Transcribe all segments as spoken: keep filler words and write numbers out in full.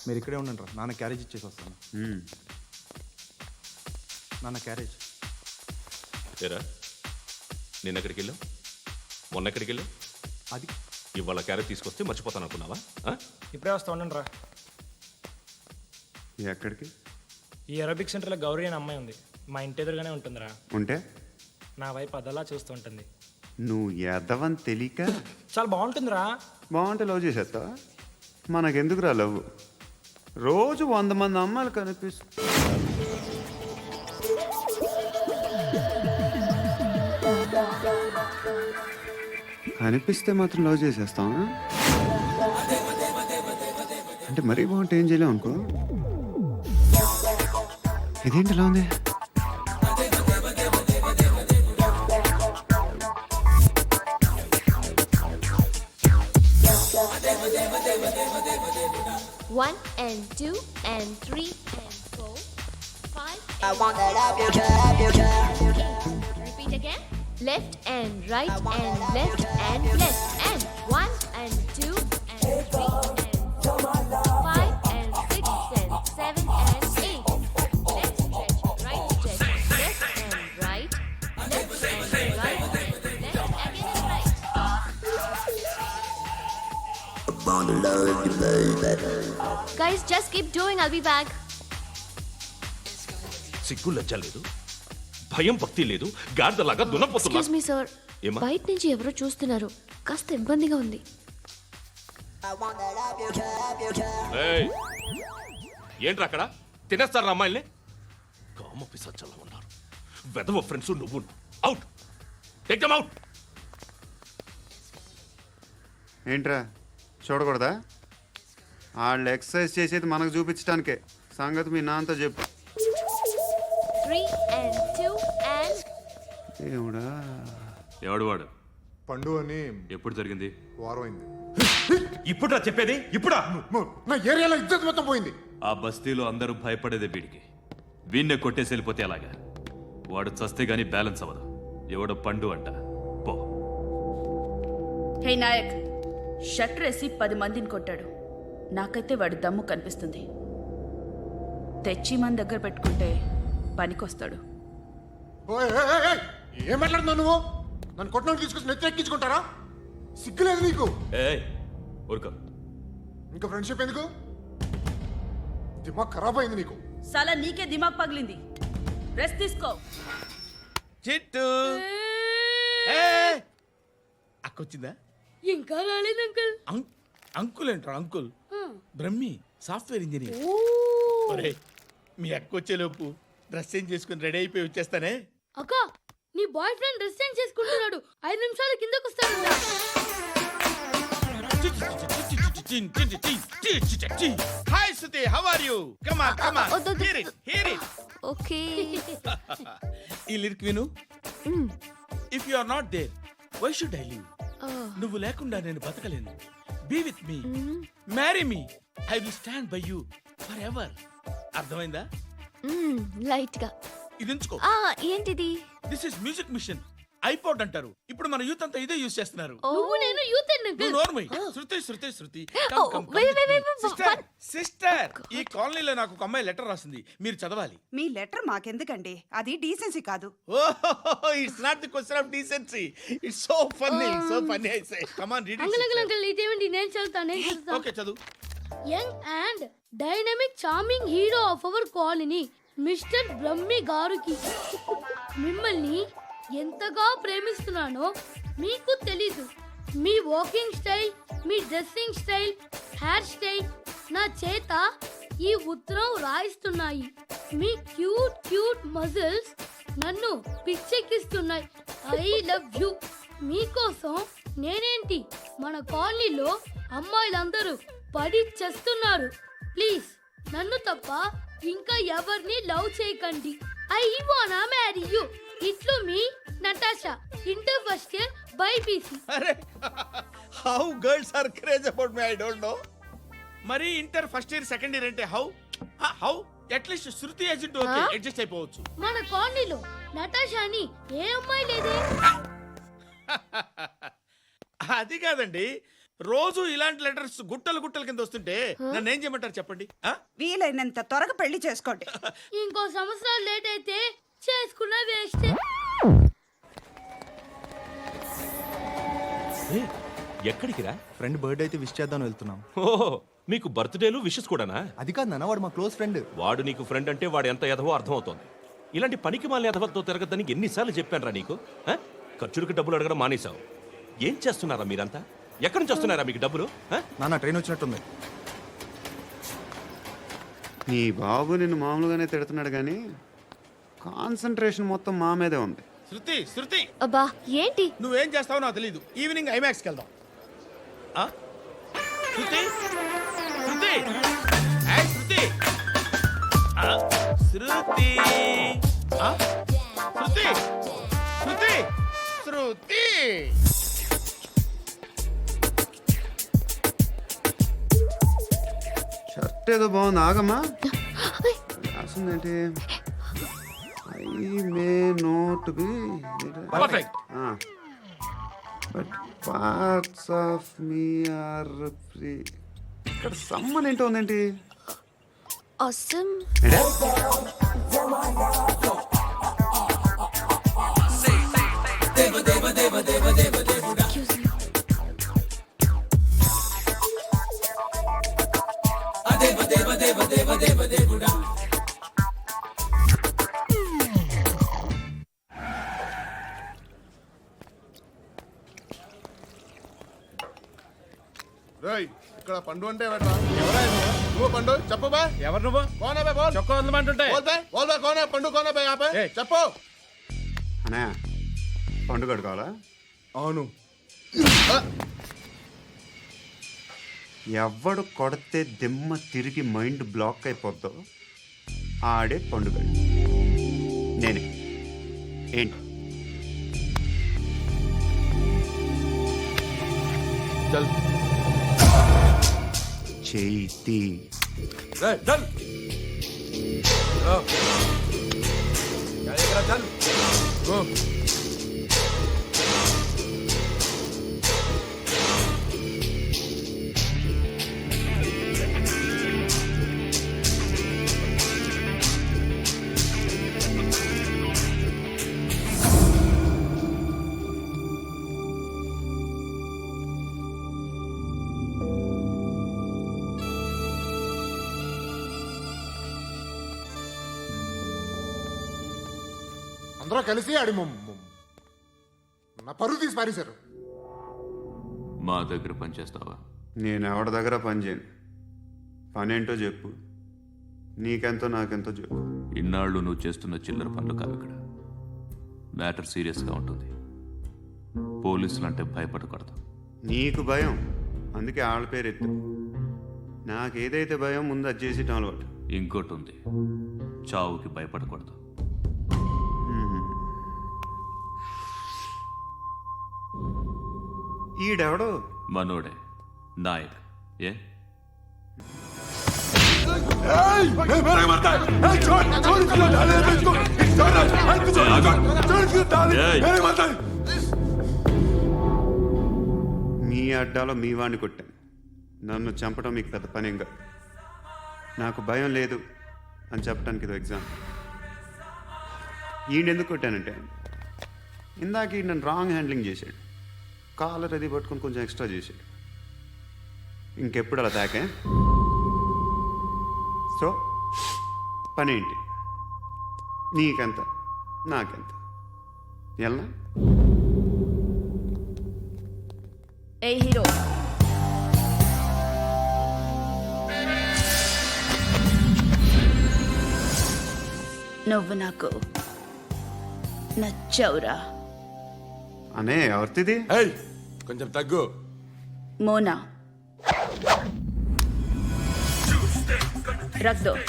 మీరు ఇక్కడే ఉండండి రా, నాన్న క్యారేజ్ ఇచ్చేసి వస్తాను. నాన్న క్యారేజ్. ఏరా నిన్న ఎక్కడికి వెళ్ళావు, మొన్న ఎక్కడికి వెళ్ళావు? అది ఇవాళ క్యారెట్ తీసుకొస్తే మర్చిపోతాను అనుకున్నావా? ఇప్పుడే వస్తా ఉండండి రా. ఎక్కడికి? ఈ అరబిక్ సెంటర్లో గౌరీ అనే అమ్మాయి ఉంది, మా ఇంటి ఎదురుగానే ఉంటుందిరా. ఉంటే నా వైపు అదలా చూస్తూ ఉంటుంది. నువ్వు ఎదవని తెలియక చాలా బాగుంటుందిరా. బాగుంటే లవ్ చేసేస్తావా? మనకెందుకురా లవ్? రోజు వంద మంది అమ్మాయిలు కనిపిస్తు కనిపిస్తే మాత్రం లవ్ చేసేస్తావా? అంటే మరీ బాగుంటే ఏం చేయలేవు అనుకో. ఇదేంటి ఎలా ఉంది? One and two and three and four, five. I want that up your job, your job. Eight. Repeat again. Left and right and left and left and one and two and three and four, five and six and seven and eight. Left stretch, right stretch, left and right, left and right, left again and right. Guys, just keep doing. I'll be back. సిగ్గు లజ్జ లేదు, భయం భక్తి లేదు, గాడిదలాగా దున్నపోతున్నా. Excuse me, sir. ఏమ్మా? బయట నుంచి ఎవరో చూస్తున్నారు, కాస్త ఇబ్బందిగా ఉంది. I want that up your job, your job. ఏయ్, ఏంట్రా అక్కడ తినేస్తారా అమ్మాయిల్ని? కామ పిశాచాలా ఉన్నారు. వెదవ ఫ్రెండ్స్ నువ్వు. Out, take them out. ఏంట్రా చూడకూడదా? వాళ్ళు ఎక్సర్సైజ్ చేసేది మనకు చూపించడానికే. సంగతి మీ నాన్నతో చెప్పు. Three and two and ఏమిడా? ఎవడు వాడు? పండు అని ఎప్పుడు జరిగింది? వారం అయింది. ఇప్పుడా చెప్పేది? ఇప్పుడా? అమ్మో, నా ఏరియాలో ఇద్దరు మొత్తం పోయింది. ఆ బస్తీలో అందరూ భయపడేదే వీడికి. వీణ్ణే కొట్టేసి వెళ్ళిపోతే అలాగా? వాడు చస్తే గానీ బ్యాలెన్స్ అవ్వదు. ఎవడో పండు అంట. పో. హే నాయక్, షట్టర్ వేసి పది మందిని కొట్టాడు. నాకైతే వాడి దమ్ము కనిపిస్తుంది. తెచ్చి మన దగ్గర పెట్టుకుంటే పనికొస్తాడు. ఓయ్, ఏయ్, ఏయ్, ఏయ్, ఏం మాట్లాడుతున్నావు నువ్వు? నన్ను కొట్టడానికి తీసుకొచ్చి నెత్తి ఎక్కించుకుంటారా? సిగ్గులేదు నీకు? ఏయ్ ఊరుకో. ఇంకా ఫ్రెండ్షిప్ ఎందుకు? దిమాగ్ ఖరాబ్ అయింది నీకు. సలా నీకే దిమాగ్ పగిలింది. రెస్ట్ తీసుకో. చిట్టు అక్కొచ్చిందా? ఇంకా రాలేదు అంకుల్. అంకుల్ ఏంట్రా అంకుల్? Brahmi software engineer. ఒరే, మీ అక్క వచ్చేలోపు డ్రెస్ చేంజ్ చేసుకుని రెడీ అయిపోయి వచ్చేస్తానే. అక్క, నీ బాయ్ ఫ్రెండ్ డ్రెస్ చేంజ్ చేసుకుంటున్నాడు. ఐదు నిమిషాలు కిందకు వస్తాడు. Hi Suthi, how are you? Come on come on, వద్దు, వద్దు. Hear it hear it. okay. ఈ లిరిక్ విను. If you are not there why should I live? Oh. నువ్వు లేకుండా నేను బతకలేను. Be with me, marry me, I will stand by you forever. అర్థమైందా? Light గా. ఇది ఉంచుకో. ఆ ఏంటిది? This is music machine. IPod అంటారు. ఇప్పుడు మన యూత్ అంతా ఇదే యూజ్ చేస్తున్నారు. నువ్వు నేను యూత్ నువ్వు నోర్మై. Shruti Shruti Shruti. Oh, wait, wait, wait, wait, sister one- sister, ఈ కాలనీలో నాకు ఒక అమ్మాయి లెటర్ రాసింది, మీరు చదవాలి. మీ లెటర్ మాకెందుకండి? అది డీసెన్సీ కాదు. Oh, it's not the question of decency, it's so funny, so funny. I say come on read uncle uncle it. Uncle ఇదేమిటి? నేను చదువుతా నేను చదువుతా. ఓకే చదువు. Young and dynamic charming hero of our colony mister Brahmi గారికి మిమ్మల్ని ఎంతగా ప్రేమిస్తున్నానో మీకు తెలీదు. మీ వాకింగ్ స్టైల్, మీ డ్రెస్సింగ్ స్టైల్, హెయిర్ స్టైల్ నా చేత ఈ ఉత్తరం రాయిస్తున్నాయి. మీ క్యూట్ క్యూట్ మజిల్స్ నన్ను పిచ్చెక్కిస్తున్నాయి. I love you. మీకోసం నేనేంటి, మన కాలనీలో అమ్మాయిలందరూ పడి చేస్తున్నారు. ప్లీజ్ నన్ను తప్ప ఇంకా ఎవరిని లవ్ చేయకండి. ఐ వానా మ్యారీ యూ. ఇట్లు మీ Natasha, inter first year BiPC. అరే, how girls are craze about me I don't know. మరి inter first year second year అంటే how how at least Shruti agent okay adjust అయిపోవచ్చు. మన కాలనీలో నటాషాని ఏ అమ్మాయి లేదే. అది కాదండి, రోజు ఇలాంటి లెటర్స్ గుట్టలు గుట్టల కింద వస్తుంటే నన్ను ఏం చేయమంటారు చెప్పండి ఆ? వీలైనంత త్వరగా పెళ్లి చేసుకోండి. ఇంకో సంవత్సరాలు లేట్ అయితే చేసుకున్న వేస్ట్. ఏయ్, ఎక్కడికి రా? ఫ్రెండ్ బర్త్డే అయితే విష్ చేద్దాం వెళ్తున్నాం. ఓహో, మీకు బర్త్డేలు విషెస్ కూడానా? అది కాదు నాన్న, వాడు మా క్లోజ్ ఫ్రెండ్. వాడు నీకు ఫ్రెండ్ అంటే వాడు ఎంత ఎదవో అర్థమవుతోంది. ఇలాంటి పనికి మాలిన ఎదవలతో తిరగద్దని ఎన్నిసార్లు చెప్పానురా నీకు? ఆ? ఖర్చులకు డబ్బులు అడగడం మానేశావు. ఏం చేస్తున్నారా మీరంతా? ఎక్కడి నుంచి వస్తున్నారా మీకు డబ్బులు? ఆ? నాన్న ట్రైన్ వచ్చినట్టుంది. నీ బాబు నిన్ను మామూలుగానే తిడుతున్నాడు కానీ కాన్సన్ట్రేషన్ మొత్తం మా మీదే ఉంది. శృతి శృతి అబ్బా ఏంటి? నువ్వేం చేస్తావో నాకు తెలియదు. ఈవినింగ్ ఐమాక్స్కి వెళ్దాం. ఆ? శృతి శృతి ఏయ్, శృతి ఆ, శృతి ఆ? శృతి శృతి శృతి షర్ట్ ఏదో బాగుంది, ఆగమ్మా. రాసిందేంటి? I may not be perfect. But parts of me are free. ఇక్కడ సమ్మన్ ఏంటో ఉందేంటి? Awesome. ఏంటే? Excuse me. రేయ్, ఇక్కడ పండు అంటే ఎవరా? నువ్వు పండు చెప్పు బా. ఎవరు నువ్వు? కోనా బే బోల్. చొక్కా వదలమంటుంటే బోల్ బే బోల్ బే కోనా పండు కోనా బే ఆపే ఏయ్. చెప్పు. అనే పండుగ కావాలా? అవును. ఎవడు కొడితే దిమ్మ తిరిగి మైండ్ బ్లాక్ అయిపోద్దో ఆడే పండుగ. నేనే. ఏంటి? చల్ చేతి రే, చల్ ఓ. ఎక్కడికి రా, చల్ ఓ. అందరూ కలిసి ఆడి మొమ్- మొమ్. నా పరువు తీసి పారేశారు. మా దగ్గర పనిచేస్తావా? నేను ఎవరి దగ్గర పని చేయను. పనేంటో చెప్పు. నీకెంతో నాకెంతో చెప్పు. ఇన్నాళ్ళు నువ్వు చేస్తున్న చిల్లర పనులు కావు ఇక్కడ. మ్యాటర్ సీరియస్గా ఉంటుంది. పోలీసులు అంటే భయపడకూడదు. నీకు భయం, అందుకే ఆళ్ళ పేరు ఎత్తు. నాకేదైతే భయం ముందు అది చేసేటం అలవాటు. ఇంకోటి ఉంది, చావుకి భయపడకూడదు. ఈడెవడో మనోడే నాయక్. ఏ ఏయ్! మీ అడ్డాలో మీ వాడిని కొట్టాను. నన్ను చంపడం మీకు పెద్ద పనేం కాదు. నాకు భయం లేదు అని చెప్పడానికి ఇది ఎగ్జామ్. ఈయనెందుకు కొట్టానంటే ఇందాక ఈ నన్ను రాంగ్ హ్యాండ్లింగ్ చేశాడు. కాలర్ అది పట్టుకొని కొంచెం ఎక్స్ట్రా చేశాడు. ఇంకెప్పుడు అలా తాకే. సో పనేంటి? నీకెంత నాకెంత ఎలా? ఏ హీరో, నువ్వు నాకు నచ్చవురా. అనే ఎవరిది? ఏయ్, కొంచెం తగ్గు. మోనా రక్ దో.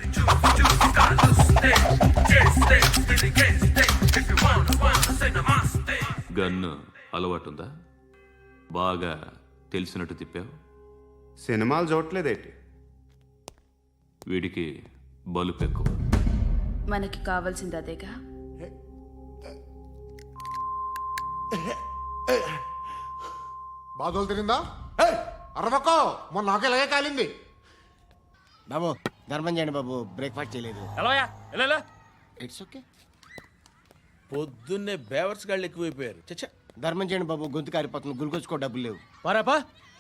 గన్ను అలవాటుందా? బాగా తెలిసినట్టు తిప్పావు. సినిమాలు చూడట్లేదేంటి? వీడికి బలుపు ఎక్కువ. మనకి కావాల్సింది అదేగా. బాధలు తిరిందా? ఏయ్, అరవకో మొన్న నాకు ఇలాగే కాలింది. బాబు ధర్మం చేయండి బాబు, బ్రేక్ఫాస్ట్ చేయలేదు. ఎలా ఇట్స్ ఓకే. పొద్దున్నే బేవర్స్ గాళ్ళు ఎక్కువైపోయారు. చచ్చా ధర్మం చేయండి బాబు, గొంతు కారిపోతుంది, గురికొచ్చుకో డబ్బులు లేవు. పారాపా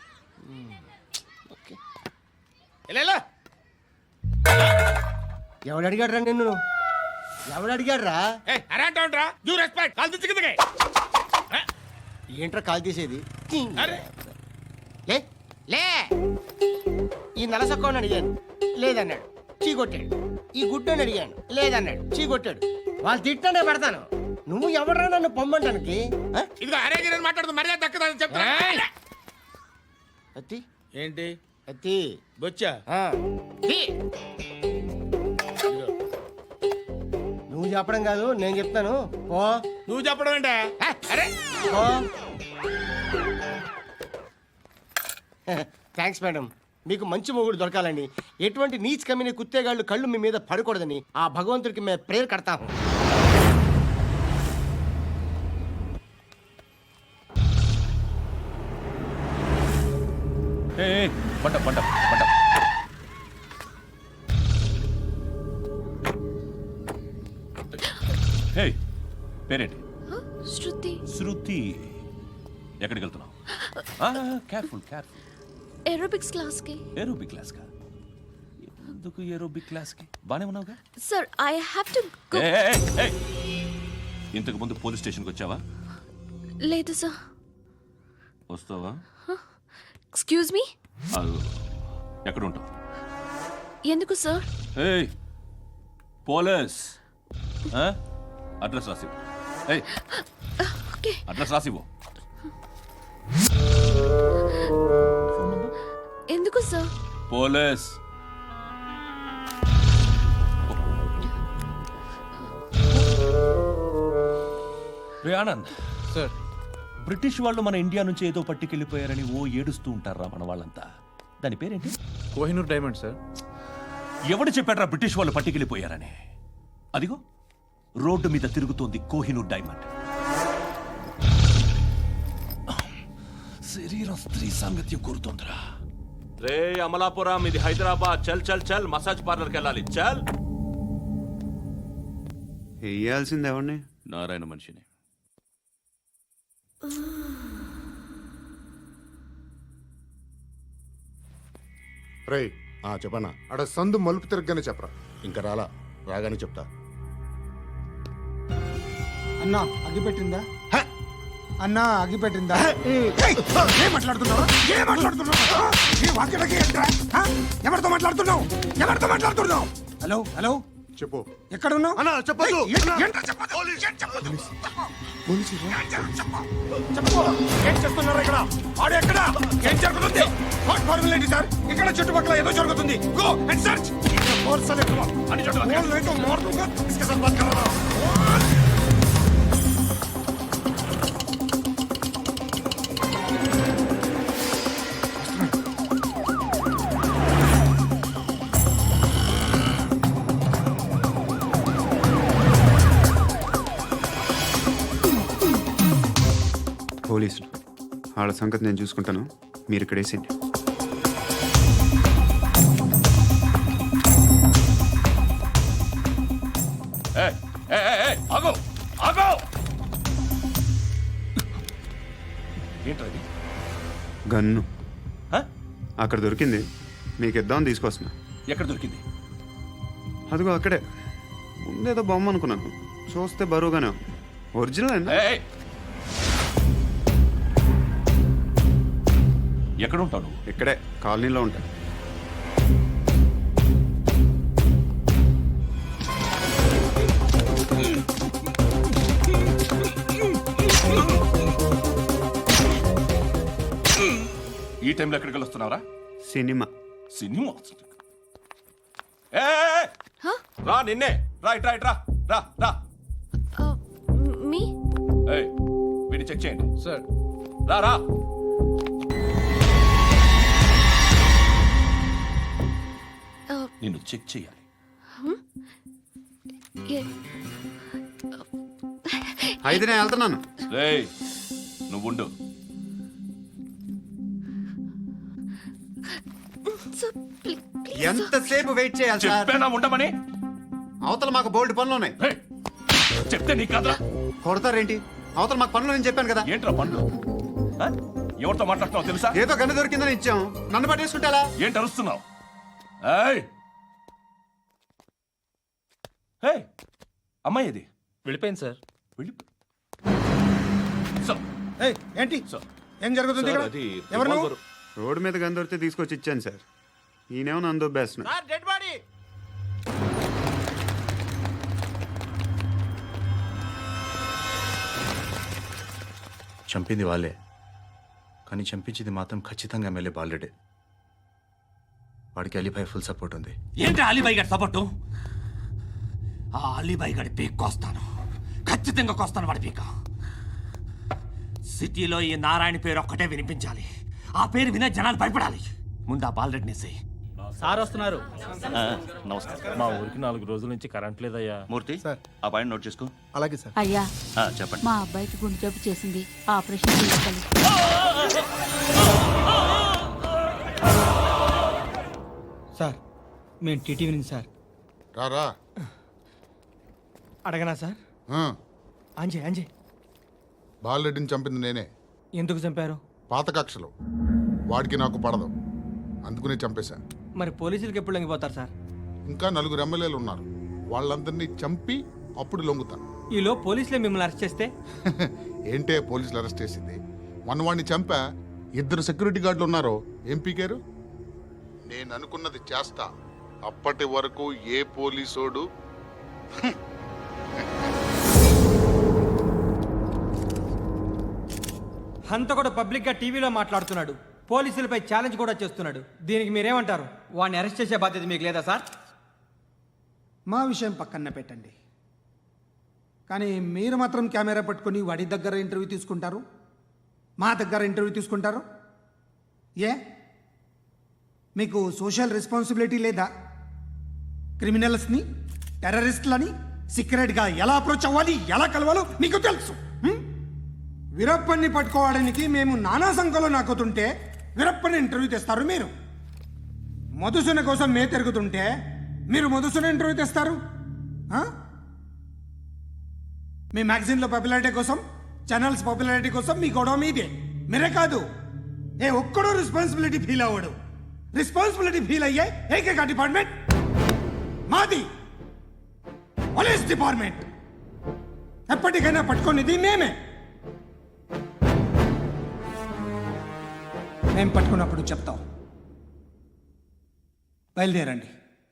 ఓకే. ఎలా ఎవడు అడిగాడు రా నిన్ను? ఎవడు అడిగాడు రా? అరేంటా యూ రెస్పెక్ట్ కాల్ తెచ్చి కిందకి. ఏంట్రా కాల్ తీసేది? అరే లే లే. ఈ నలసక్కని అడిగాను, లేదన్నాడు, చీ కొట్టాడు. ఈ గుడ్డని అడిగాను, లేదన్నాడు, చీ కొట్టాడు. వాళ్ళు తిట్టానే పెడతాను. నువ్వు ఎవడరా నన్ను పొమ్మంటానికి? ఆ? ఇదిగో అరే గిరని మాట్లాడుతూ మర్యాద దక్కదని చెప్తా. అత్తి ఏంటి అత్తి బొచ్చా? ఆ. తీ. నువ్వు చెప్పడం కాదు, నేను చెప్తాను. ఓ నువ్వు చెప్పడం ఏంటే? అరే ఓ థ్యాంక్స్ మేడం. మీకు మంచి మొగుడు దొరకాలని, ఎటువంటి నీచ్ కమ్మిన కుత్తేగాళ్ళు కళ్ళు మీ మీద పడకూడదని ఆ భగవంతుడికి మేము ప్రేయర్ కడతాము. పంట పంట పంట హే, పేరేంటి? శృతి. శృతి. ఎక్కడికి వెళ్తున్నావు? Careful careful. ఏరోబిక్స్ క్లాస్ కి. ఏరోబిక్ క్లాస్ కా? ఎందుకు ఏరోబిక్ క్లాస్ కి? బానే ఉన్నావుగా? Sir I have to go. ఏయ్, ఏయ్, ఏయ్. ఇంతకు ముందు పోలీస్ స్టేషన్కి వచ్చావా? లేదు సార్. వస్తావా? Excuse me. అదిగో. ఎక్కడ ఉంటావు? ఎందుకు సార్? ఏయ్ పోలీస్, అడ్రస్ రాసివ్వు. ఏయ్ ఓకే. అడ్రస్ రాసివ్వు. ఎందుకు సార్? పోలీస్. రే ఆనంద్ సార్. బ్రిటిష్ వాళ్ళు మన ఇండియా నుంచి ఏదో పట్టుకెళ్ళిపోయారని ఓ ఏడుస్తూ ఉంటారా మన వాళ్ళంతా. దాని పేరేంటి? Kohinoor diamond sir. ఎవడు చెప్పాడ్రా బ్రిటిష్ వాళ్ళు పట్టుకెళ్ళిపోయారని? అదిగో రోడ్డు మీద తిరుగుతోంది కోహినూర్ డైమండ్. శరీరం స్త్రీ సాంగత్యం కోరుతోందిరా. రే అమలాపురం, ఇది హైదరాబాద్. చల్ చల్ చల్, మసాజ్ పార్లర్కి వెళ్ళాలి. చల్. వేయాల్సింది ఎవరిని? నారాయణ మనిషిని. రేయ్ చెప్పనా, అడ సందు మలుపు తిరగగానే చెప్పరా. ఇంకా రాలా, రాగానే చెప్తా. అన్నా అగ్గి పెట్టిందా? అన్నా అగ్గి పెట్టిందా? ఏం మాట్లాడుతున్నావు? ఏం మాట్లాడుతున్నావు? ఈ వాక్యలకి ఏంట్రా? హ? ఎవరితో మాట్లాడుతున్నావు? ఎవరితో మాట్లాడుతున్నావు? హలో హలో చెప్పు. ఎక్కడ ఉన్నావు? అన్నా చెప్పదు. ఏం చేస్తున్నారు ఇక్కడ? ఆడు ఎక్కడ? ఏం జరుగుతుంది? వాట్ ఫార్మల్ ఏంటి సార్? ఇక్కడ చుట్టుపక్కల ఏదో జరుగుతుంది. Go and search. ఫోర్స్ అనే అని చెప్పండి. లేక మార్పుగా इसके साथ बात कर रहा हूं. పోలీసులు వాళ్ళ సంగతి నేను చూసుకుంటాను, మీరు ఇక్కడ వేసేయండి. ఏయ్, ఏయ్, ఏయ్, ఏయ్, ఆగు, ఆగు. ఏంట్రది? గన్ను హ? అక్కడ దొరికింది, మీకు ఇద్దామని తీసుకొస్తున్నా. ఎక్కడ దొరికింది? అదిగో అక్కడే. ముందేదో బొమ్మ అనుకున్నాను, చూస్తే బరువుగానే ఉంది. ఒరిజినల్ అండి. ఏయ్, ఏయ్. ఎక్కడ ఉంటావు నువ్వు? ఇక్కడే కాలనీలో ఉంటా. ఈ టైంలో ఎక్కడికి వస్తున్నావురా? సినిమా. సినిమా? ఏయ్, రా, నిన్నే. రైట్ రైట్ రా రా రా. మీ. ఏయ్, వీడిని చెక్ చేయండి సార్. రా రా. నిన్ను చెక్ చేయాలి. అయితే నేను వెళ్తున్నాను. రేయ్, నువ్వు ఉండు. ఎంతసేపు వెయిట్ చేయాలి సార్? చెప్పేనా ఉండమని? అవతల మాకు బోల్డ్ పనులు ఉన్నాయి. హే, చెప్తే నీకు కదా. కొడతారేంటి? అవతల మాకు పనులు నేను చెప్పాను కదా. ఏంట్రా పండ్లు? ఆ? ఎవరితో మాట్లాడుతున్నావు తెలుసా? ఏదో గన్ను దొరికిందని ఇచ్చాం, నన్ను పట్టేసుకుంటా. ఏంటి అరుస్తున్నావు? ఏయ్! ఏయ్! అమ్మాయి ఇది వెళ్ళిపోయింది సార్. వెళ్ళి సార్, ఏయ్, ఏంటి సార్, ఏం జరుగుతుంది సార్, ఇక్కడ? అది ఎవరు నువ్వు? రివాల్వర్. రోడ్డు మీద గన్ను దొరికితే తీసుకొచ్చి ఇచ్చాను సార్. ఈయనేమో నన్ను దొబ్బేస్తున్నా. Dead body. చంపింది వాళ్ళే, కానీ చంపించింది మాత్రం ఖచ్చితంగా ఎమ్మెల్యే బాలుడే. వాడికి అలీభాయ్ ఫుల్ సపోర్ట్ ఉంది. ఏంటి అలీబాయి గారి సపోర్టు? ఆ అలీబాయి గారి పీక్ కోస్తాను, ఖచ్చితంగా కోస్తాను వాడి పీక. సిటీలో ఈ నారాయణ పేరు ఒక్కటే వినిపించాలి. ఆ పేరు వినే జనాలు భయపడాలి. ముందు ఆ బాలరెడ్డి నేసి. సార్ వస్తున్నారు. నమస్కారం. మా ఊరికి నాలుగు రోజుల నుంచి కరెంట్ లేదయ్యా. మూర్తి, ఆ పాయింట్ నోట్ చేసుకో. అలాగే సార్. అయ్యా, ఆ, చెప్పండి. మా అబ్బాయికి గుండె జబ్బు చేసింది, ఆపరేషన్ చేయాలి. సార్ మేము టీటీవీ నుంచి సార్. రారా. అడగనా సార్? అంజయ్ అంజయ్ బాలరెడ్డిని చంపింది నేనే. ఎందుకు చంపారు? పాత కక్షలు వాడికి నాకు పడదు, అందుకునే చంపేశా. మరి పోలీసులకి ఎప్పుడు లొంగిపోతారు సార్? ఇంకా నలుగురు ఎమ్మెల్యేలు ఉన్నారు, వాళ్ళందరినీ చంపి అప్పుడు లొంగుతాను. ఈలో పోలీసులే మిమ్మల్ని అరెస్ట్ చేస్తే? ఏంటే పోలీసులు అరెస్ట్ చేసింది? మొన్న వాడిని చంపా, ఇద్దరు సెక్యూరిటీ గార్డులు ఉన్నారు, ఏం పీకారు? నేను అనుకున్నది చేస్తా, అప్పటి వరకు ఏ పోలీసోడు హంత కూడా పబ్లిక్ గా టీవీలో మాట్లాడుతున్నాడు, పోలీసులపై ఛాలెంజ్ కూడా చేస్తున్నాడు. దీనికి మీరేమంటారు? వాడిని అరెస్ట్ చేసే బాధ్యత మీకు లేదా సార్? మా విషయం పక్కన పెట్టండి, కానీ మీరు మాత్రం కెమెరా పట్టుకొని వాడి దగ్గర ఇంటర్వ్యూ తీసుకుంటారు, మా దగ్గర ఇంటర్వ్యూ తీసుకుంటారు. ఏ మీకు సోషల్ రెస్పాన్సిబిలిటీ లేదా? క్రిమినల్స్ని, టెర్రరిస్టులని సీక్రెట్గా ఎలా అప్రోచ్ అవ్వాలి, ఎలా కలవాలో మీకు తెలుసు. హ్మ్? వీరప్పన్ని పట్టుకోవడానికి మేము నానా సంఖ్యలో నాకుతుంటే వీరప్పని ఇంటర్వ్యూ తెస్తారు మీరు. మధుసూన కోసం మే తిరుగుతుంటే మీరు మధుసూన ఇంటర్వ్యూ తెస్తారు. ఆ? మీ మ్యాగజైన్లో పాపులారిటీ కోసం, ఛానల్స్ పాపులారిటీ కోసం మీ గొడవ మీదే. మీరే కాదు, ఏ ఒక్కడో రెస్పాన్సిబిలిటీ ఫీల్ అవ్వడు. రెస్పాన్సిబిలిటీ ఫీల్ అయ్యే ఏకైక డిపార్ట్మెంట్ మాది, పోలీస్ డిపార్ట్మెంట్. ఎప్పటికైనా పట్టుకునేది మేమే. మేము పట్టుకున్నప్పుడు చెప్తాం. బయలుదేరండి.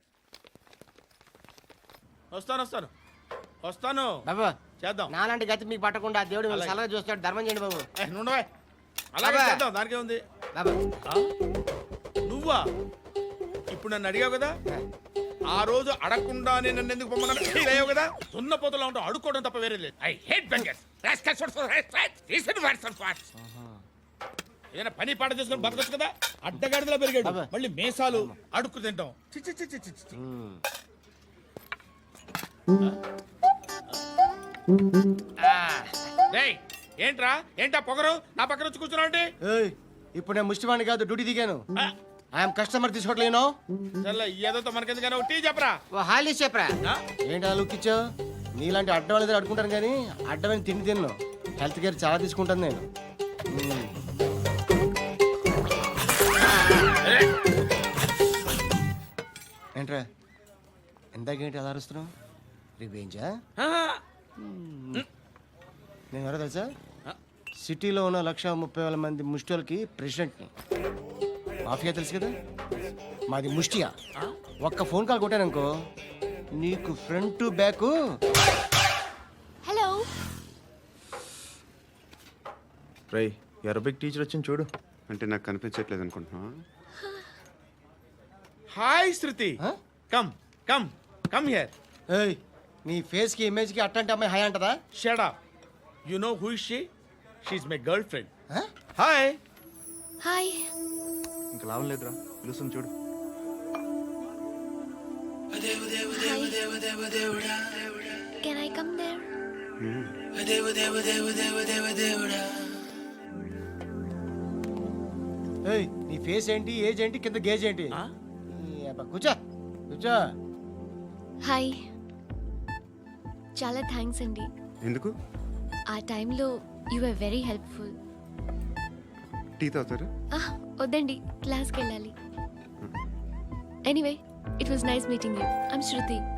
వస్తాను వస్తాను వస్తాను బాబు చేద్దాం. నాలాంటి గతి మీకు పట్టకుండా దేవుడు మిమ్మల్ని సలహా చూస్తాడు, ధర్మం చేయండి బాబు. ఏ, నుండవే. అలాగే అబ్బా. చేద్దాం, దానికే ఉంది. బాబు నువ్వా? ఇప్పుడు నన్ను అడిగావు కదా, ఆ రోజు అడగకుండానే నన్ను ఎందుకు పొమ్మన్నా ఫీల్ అయ్యావు కదా. సున్న పోతలో ఉంటావు, అడుక్కోవడం తప్ప వేరే లేదు. I hate beggars. ఏదైనా పని పాట చేసుకుని బతకొచ్చు కదా. అడ్డగాడిదలా పెరిగాడు, మళ్ళీ మేసాలు అడుక్కు తింటాం. చి, చి, చి, చి, చి, చి. రేయ్, ఏంట్రా ఏంటా పొగరు నా పక్కన వచ్చి కూర్చున్నావు అంటే? ఏయ్, ఇప్పుడు నేను ముష్టివాణి కాదు, డ్యూటీ దిగాను. ఐఎమ్ కస్టమర్ తీసుకోవట్లేను. సర్లే, ఏదో మనకెందుకైనా టీ చెప్పరా. ఓ హాలీస్ చెప్పరా. ఆ? ఏంటి అలా లుక్ ఇచ్చావు? నీలాంటి అడ్డం వాళ్ళ దగ్గర అడుకుంటాను కానీ అడ్డమైన తిండి తిన్ను. హెల్త్ కేర్ చాలా తీసుకుంటాను నేను. మ్మ్. ఏంట్రా ఎందాకేంటి అలా అరుస్తున్నావు? రివేంజా? నేను ఎవరో తెలుసా? సిటీలో ఉన్న లక్ష ముప్పై వేల మంది ముష్టిలకి ప్రెసిడెంట్ని. మాఫియా తెలుసు కదా, మాది ముష్టియా. ఒక్క ఫోన్ కాల్ కొట్టాననుకో నీకు ఫ్రంట్ టు బ్యాక్. హలో, రై, అరబిక్ టీచర్ వచ్చింది చూడు. అంటే నాకు కనిపించట్లేదు అనుకుంటున్నా. Hi Shruti, come come come here. ఏయ్, నీ ఫేస్కి ఇమేజ్కి అట్టంటే అమ్మాయి హాయ్ అంటదా? Shut up. You know who is she? She is my girlfriend. Hi. Hi. ఇంకా లాభం లేదురా, పిలుస్తుంది చూడు. Can I come there? ఏయ్, నీ ఫేస్ ఏంటి, ఏజ్ ఏంటి, కింద గేజ్ ఏంటి? ఈ అబ్బా, కూర్చో కూర్చో. హాయ్ చాలా థ్యాంక్స్ అండి. ఎందుకు? ఆ టైంలో you are very helpful. Tea తాగుతారా? వద్దండి, క్లాస్కి వెళ్ళాలి. Anyway it was nice meeting you. I'm Shruti.